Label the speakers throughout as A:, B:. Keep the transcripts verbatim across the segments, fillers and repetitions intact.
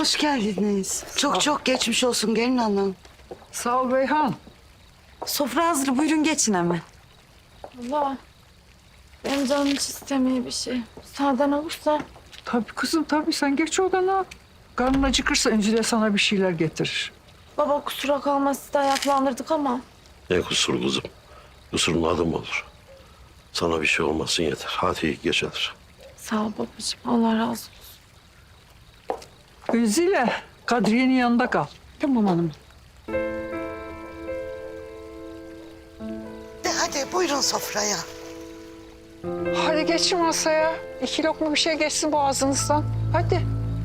A: Hoş geldiniz. Çok çok geçmiş olsun gelin hanım.
B: Sağ ol Beyhan.
A: Sofra hazır, buyurun geçin hemen.
C: Allah. Benim canım hiç istemiyor bir şey. Sağdan olursa.
B: Tabii kızım tabii sen geç odana. Karnın acıkırsa Öncü'de sana bir şeyler getirir.
C: Baba kusura kalma sizi de ayaklandırdık ama.
D: Ne kusur kızım? Kusurun adı mı olur? Sana bir şey olmasın yeter. Hadi iyi geceler.
C: Sağ ol babacığım. Allah razı olsun.
B: Öncü'yle Kadriye'nin yanında kal.
A: Tamam hanım. De hadi buyurun sofraya.
B: Hadi geçin masaya. İki lokma bir şey geçsin boğazınızdan. Hadi.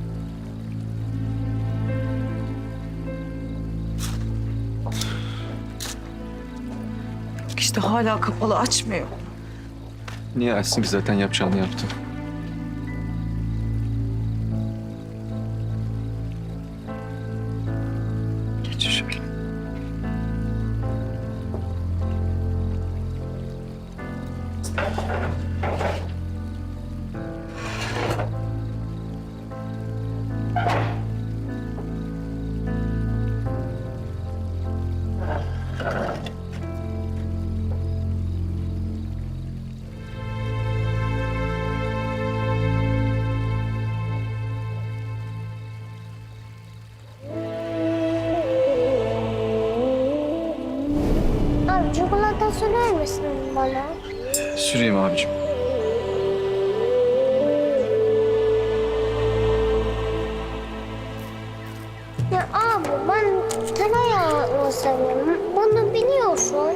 A: İşte hala kapalı, açmıyor.
E: Niye açsın ki, zaten yapacağını yaptı. Geç şöyle.
F: Abi çikolata sürer misin bana?
E: Süreyim abicim.
F: Ya abi ben tereyağını seviyorum. Bunu biliyorsun.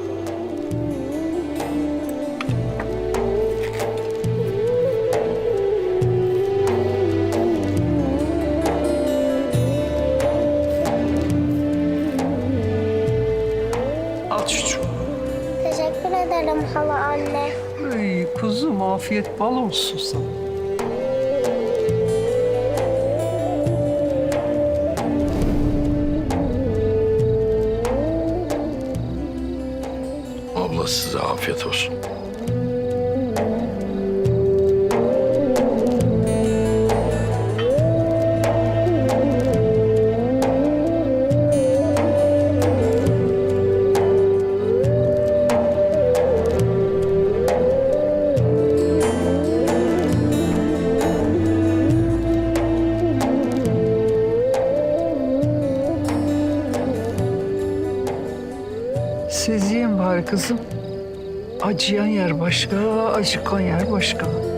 B: Al çocuğum.
F: Teşekkür ederim hala anne.
B: Ay kuzum, afiyet bal olsun sana.
D: Abla size afiyet olsun.
B: Siz yiyin bari kızım. Acıyan yer başka, acıkan yer başka.